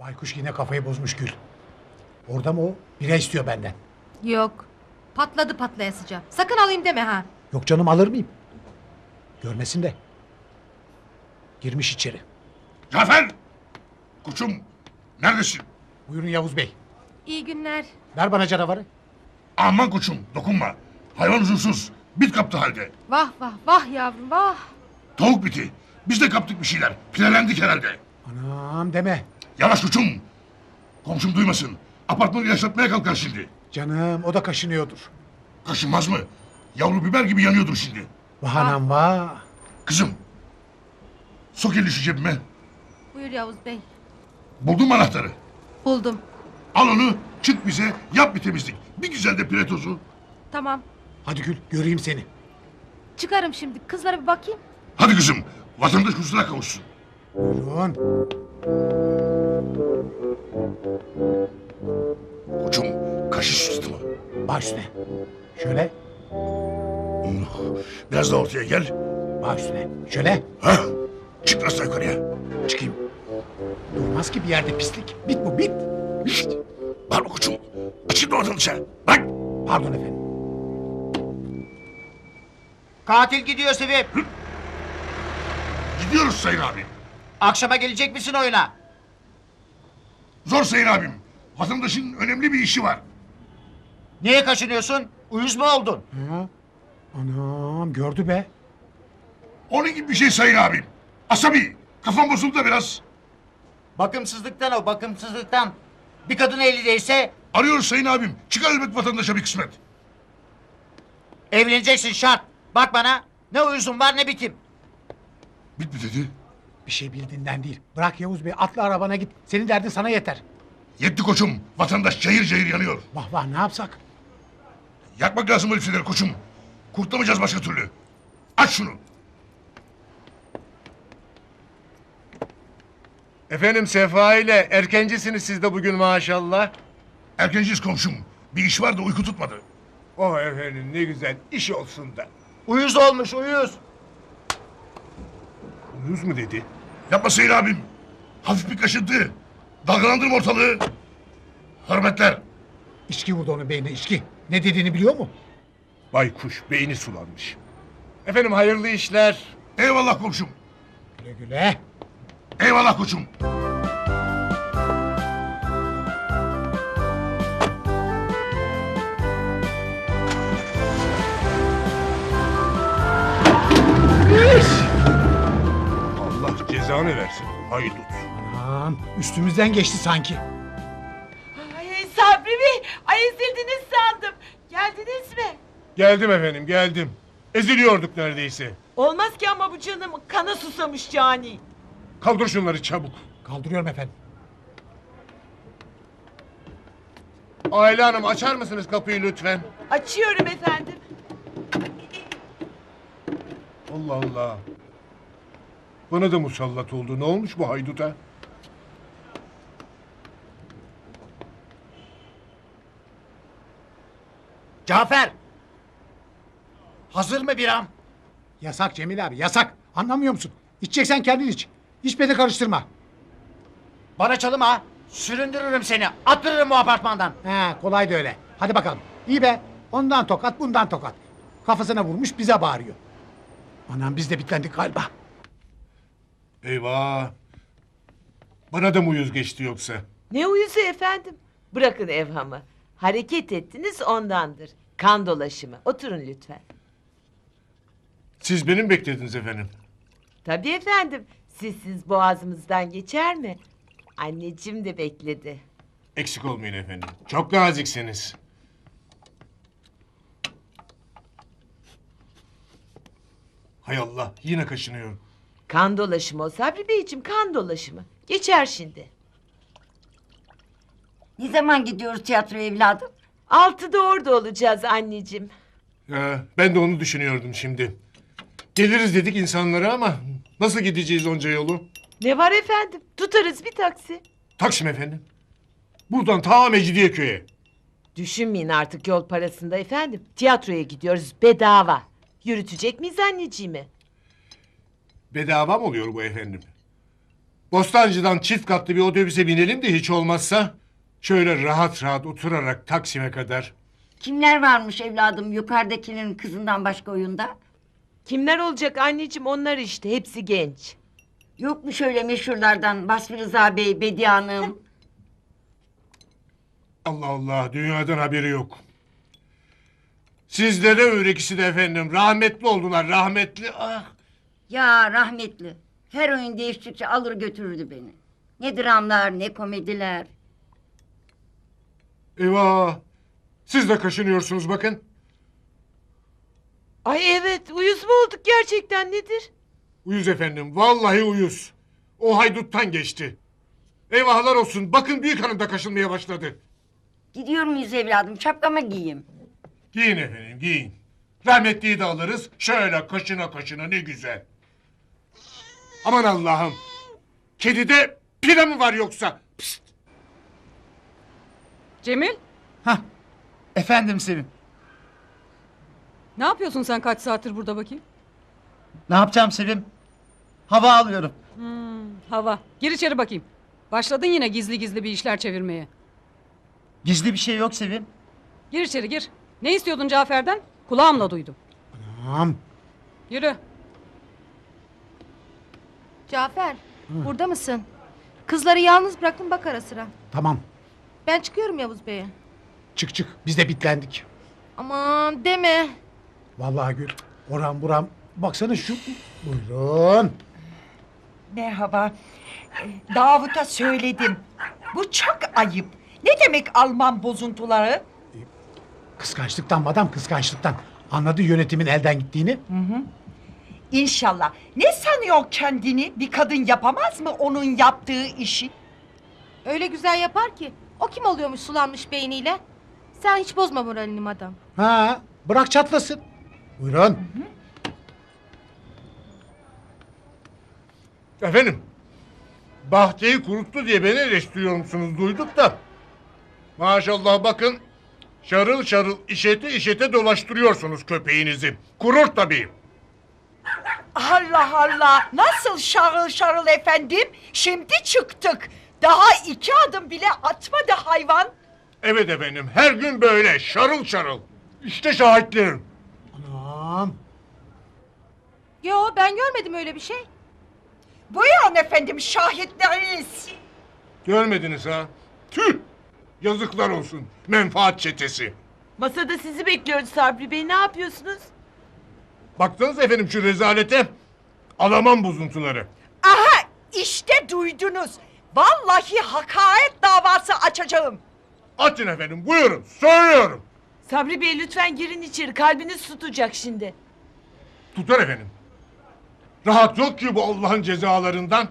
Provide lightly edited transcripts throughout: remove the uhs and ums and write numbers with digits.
Baykuş yine kafayı bozmuş Gül. Orada mı o? Bira istiyor benden. Yok. Patladı patlayasıca. Sakın alayım deme ha. Yok canım, alır mıyım? Görmesin de. Girmiş içeri. Cafer! Koçum, neredesin? Buyurun Yavuz Bey. İyi günler. Ver bana canavarı. Aman koçum, dokunma. Hayvan huzursuz, bit kaptı halde. Vah vah vah yavrum vah. Tavuk biti. Biz de kaptık bir şeyler. Pirelendik herhalde. Anam deme. Yavaş koçum. Komşum duymasın. Apartmanı yaşatmaya kalkar şimdi. Canım, o da kaşınıyordur. Kaşınmaz mı? Yavru biber gibi yanıyordur şimdi. Vah anam vah. Kızım. Sok elini şu cebime. Buyur Yavuz Bey. Buldun mu anahtarı? Buldum. Al onu, çık bize, yap bir temizlik. Bir güzel de pire tozu. Tamam. Hadi Gül, göreyim seni. Çıkarım şimdi. Kızlara bir bakayım. Hadi kızım, vatandaş huzura kavuşsun. Buyurun. Koçum, kaşı sıçtı mı? Baş üstüne. Şöyle. Biraz da ortaya gel. Baş üstüne. Şöyle. Ha? Çık biraz daha yukarıya. Çıkayım. Durmaz ki bir yerde pislik. Bit bu, bit. Şişt! Bağırma koçum. Açın vatandaşa. Bak! Pardon efendim. Katil gidiyor Sevim. Gidiyoruz Sayın abi. Akşama gelecek misin oyuna? Zor Sayın abim. Vatandaşın önemli bir işi var. Niye kaşınıyorsun? Uyuz mu oldun? Ha? Anam, gördü be. Onun gibi bir şey Sayın abim. Asabi. Kafam bozuldu da biraz. Bakımsızlıktan o, bakımsızlıktan. Bir kadın eli değse Arıyoruz Sayın abim. Çıkar elbet vatandaşa bir kısmet. evleneceksin şart. Bak bana, ne uyuzun var ne bitim. Bit mi dedi? Bir şey bildiğinden değil. Bırak Yavuz Bey, atla arabana git. Senin derdin sana yeter. Yetti koçum. Vatandaş cayır cayır yanıyor. Vah vah, ne yapsak? Yakmak lazım öyle şeyleri koçum. Kurtulamayacağız başka türlü. Aç şunu. Efendim Sefa ile erkencisiniz siz de bugün maşallah. Erkenciyiz komşum. Bir iş var da uyku tutmadı. Oh efendim ne güzel iş olsun da. Uyuz olmuş, uyuz. Uyuz mu dedi? Yapma Sayın abim. Hafif bir kaşıntı. Dalgalandırma ortalığı. Hürmetler. İçki vurdu onun beynine, içki. Ne dediğini biliyor mu? Baykuş beyni sulanmış. Efendim hayırlı işler. Eyvallah komşum. Güle güle. Eyvallah koçum. Allah cezanı versin haydut. Anam, üstümüzden geçti sanki. Ay Sabri Bey, ay ezildiniz sandım. Geldiniz mi? Geldim efendim geldim. Eziliyorduk neredeyse. Olmaz ki ama bu canım kana susamış cani. Kaldır şunları çabuk. Kaldırıyorum efendim. Ayla Hanım açar mısınız kapıyı lütfen? Açıyorum efendim. Allah Allah. Bana da musallat oldu. Ne olmuş bu hayduta? Cafer. Hazır mı biram? Yasak Cemil abi, yasak. Anlamıyor musun? İçeceksen kendin iç. Hiç beni karıştırma. Bana çalım ha. Süründürürüm seni. Attırırım bu apartmandan. He, kolay da öyle. Hadi bakalım. İyi be. Ondan tokat, bundan tokat. Kafasına vurmuş, bize bağırıyor. Anam, biz de bitlendik galiba. Eyvah. Bana da mı uyuz geçti yoksa? Ne uyuzu efendim? Bırakın evhamı. Hareket ettiniz ondandır. Kan dolaşımı. Oturun lütfen. Siz benim beklediniz efendim. Tabii efendim. Sizsiz boğazımızdan geçer mi? Anneciğim de bekledi. Eksik olmayın efendim. Çok naziksiniz. Hay Allah yine kaşınıyorum. Kan dolaşımı o Sabri Beyciğim, kan dolaşımı. Geçer şimdi. Ne zaman gidiyoruz tiyatroya evladım? 6'da orada olacağız anneciğim. Ben de onu düşünüyordum şimdi. Geliriz dedik insanlara ama nasıl gideceğiz onca yolu? Ne var efendim? Tutarız bir taksi. Taksim efendim. Buradan ta Mecidiyeköy'e. Düşünmeyin artık yol parasında efendim. Tiyatroya gidiyoruz bedava. Yürütecek miyiz anneciğimi? Bedava mı oluyor bu efendim? Bostancı'dan çift katlı bir otobüse binelim de hiç olmazsa şöyle rahat rahat oturarak Taksim'e kadar. Kimler varmış evladım yukarıdakinin kızından başka oyunda? Kimler olacak anneciğim, onlar işte, hepsi genç. Yok mu şöyle meşhurlardan Basri Rıza Bey, Bediye Hanım? Allah Allah, dünyadan haberi yok. Sizlere öyle ikisi de efendim. Rahmetli oldular, rahmetli. Ah. Ya rahmetli. Her oyun değiştikçe alır götürürdü beni. Ne dramlar ne komediler. Eyvah. Siz de kaşınıyorsunuz bakın. Ay evet, uyuz mu olduk gerçekten, nedir? Uyuz efendim, vallahi uyuz. O hayduttan geçti. Eyvahlar olsun, bakın büyük hanım da kaşınmaya başladı. Gidiyor muyuz evladım? Şapkamı giyeyim. Giyin efendim, giyin. Rahmetliyi de alırız, şöyle kaşına kaşına ne güzel. Aman Allah'ım. Kedide pire mi var yoksa? Pst. Cemil, Hah. Efendim Sevim. ne yapıyorsun sen kaç saattir burada bakayım? Ne yapacağım Sevim? Hava alıyorum. Hava. Gir içeri bakayım. Başladın yine gizli gizli bir işler çevirmeye. Gizli bir şey yok Sevim. Gir içeri gir. Ne istiyordun Cafer'den? Kulağımla duydum. Tamam. Yürü. Cafer, burada mısın? Kızları yalnız bıraktım, bak ara sıra. Tamam. Ben çıkıyorum Yavuz Bey'e. Çık çık. Biz de bitlendik. Aman deme. Vallahi Gül. Oram buram. Baksana şu. Buyurun. Merhaba. Davut'a söyledim. Bu çok ayıp. Ne demek Alman bozuntuları? Kıskançlıktan madam, kıskançlıktan. Anladı yönetimin elden gittiğini. İnşallah. Ne sanıyor kendini? Bir kadın yapamaz mı onun yaptığı işi? Öyle güzel yapar ki. O kim oluyormuş sulanmış beyniyle? Sen hiç bozma moralini madam. Ha, bırak çatlasın. Buyurun. Efendim, bahçeyi kuruttu diye beni eleştiriyor musunuz duyduk da. Maşallah bakın, şarıl şarıl işete işete dolaştırıyorsunuz köpeğinizi. Kurur tabii. Allah Allah. Nasıl şarıl şarıl efendim? Şimdi çıktık. Daha 2 adım bile atmadı hayvan. Evet efendim, her gün böyle şarıl şarıl. İşte şahitlerim. Anam. Yo, ben görmedim öyle bir şey. Buyurun efendim şahitleriniz. Görmediniz ha? Tüh! Yazıklar olsun, menfaat çetesi. Masada sizi bekliyoruz Sabri Bey, ne yapıyorsunuz? Baksanıza efendim şu rezalete. Alaman bozuntuları. Aha işte duydunuz. Vallahi hakaret davası açacağım. Atın efendim, buyurun, söylüyorum. Sabri Bey lütfen girin içeri, kalbiniz tutacak şimdi. Tutar efendim. Rahat yok ki bu Allah'ın cezalarından.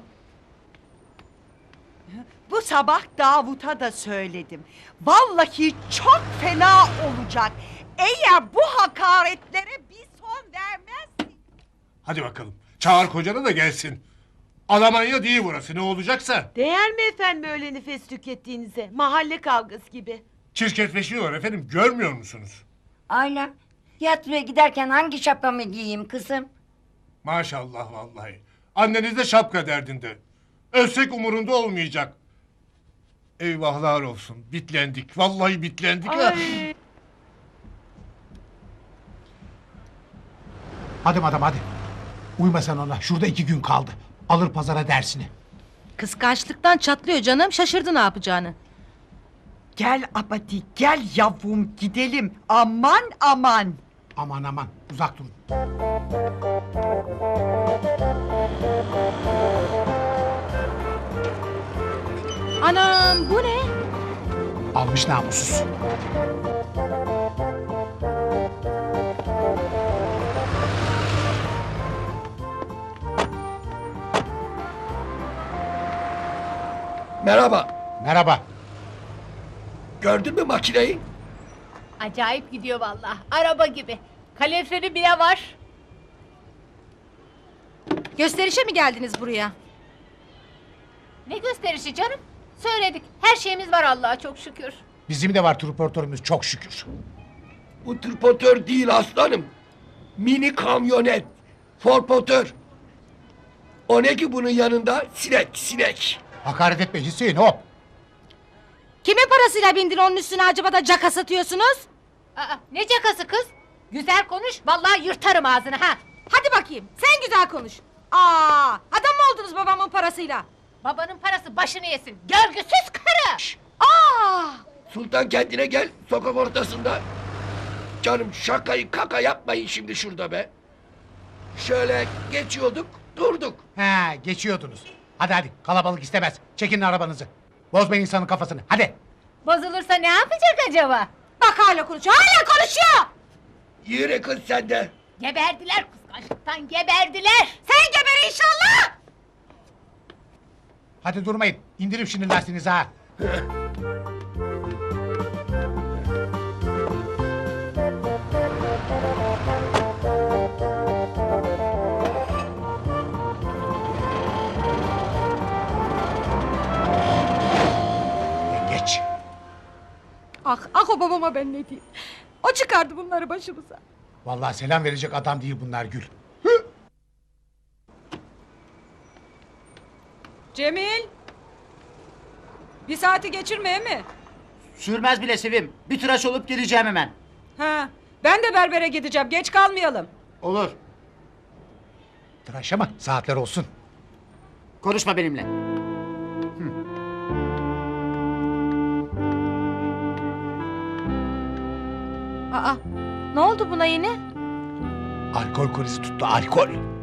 Bu sabah Davut'a da söyledim. Vallahi çok fena olacak. Eğer bu hakaretlere bir son vermezsin. Hadi bakalım, çağır kocanı da gelsin. Almanya değil burası, ne olacaksa. Değer mi efendim öyle nefes tükettiğinize? Mahalle kavgası gibi. Çirkefleşiyor efendim, görmüyor musunuz? Ayla. Tiyatroya giderken hangi şapkamı giyeyim kızım? Maşallah vallahi. Anneniz de şapka derdinde. Ölsek umurunda olmayacak. Eyvahlar olsun, bitlendik. Vallahi bitlendik. ha. Ay. Hadi madam hadi. Uyma sen ona. Şurada 2 gün kaldı. Alır pazara dersini. Kıskançlıktan çatlıyor canım, şaşırdı ne yapacağını. Gel abadi gel yavrum gidelim. Aman aman. Aman aman uzak durun. Anam, bu ne? Almış namussuz. Merhaba. Merhaba. Gördün mü makineyi? Acayip gidiyor vallahi. Araba gibi. Kaloriferi bile var. Gösterişe mi geldiniz buraya? Ne gösterişi canım? Söyledik. Her şeyimiz var Allah'a çok şükür. Bizim de var transportörümüz çok şükür. Bu tırpotör değil aslanım. Mini kamyonet. Forpotör. O ne ki bunun yanında? Sinek, sinek. Hakaret etme Hüseyin hop. Kimin parasıyla bindin onun üstüne acaba da caka satıyorsunuz? Aa, ne cakası kız? Güzel konuş, vallahi yırtarım ağzını ha. Hadi bakayım sen güzel konuş. Aa, adam mı oldunuz babamın parasıyla? Babanın parası başını yesin, görgüsüz karı! Aa! Sultan kendine gel sokak ortasında. Canım şakayı kaka yapmayın şimdi şurada be. Şöyle geçiyorduk durduk. He geçiyordunuz. Hadi hadi kalabalık istemez. Çekin arabanızı. Bozmayın insanın kafasını hadi. Bozulursa ne yapacak acaba? Bak hala konuşuyor, hala konuşuyor! Yürü kız sen de. Geberdiler kıskançlıktan, geberdiler! Sen geber inşallah! Hadi durmayın. İndirin şimdi lastiğinizi ha. Geç. Ah ah o babama ben ne diyeyim. O çıkardı bunları başımıza. Vallahi selam verecek adam değil bunlar Gül. Cemil. Bir saati geçirmeye mi? Sürmez bile Sevim. Bir tıraş olup geleceğim hemen. Ha, ben de berbere gideceğim. Geç kalmayalım. Olur. Tıraş ama saatler olsun. Konuşma benimle. Aa, ne oldu buna yine? Alkol krizi tuttu alkol.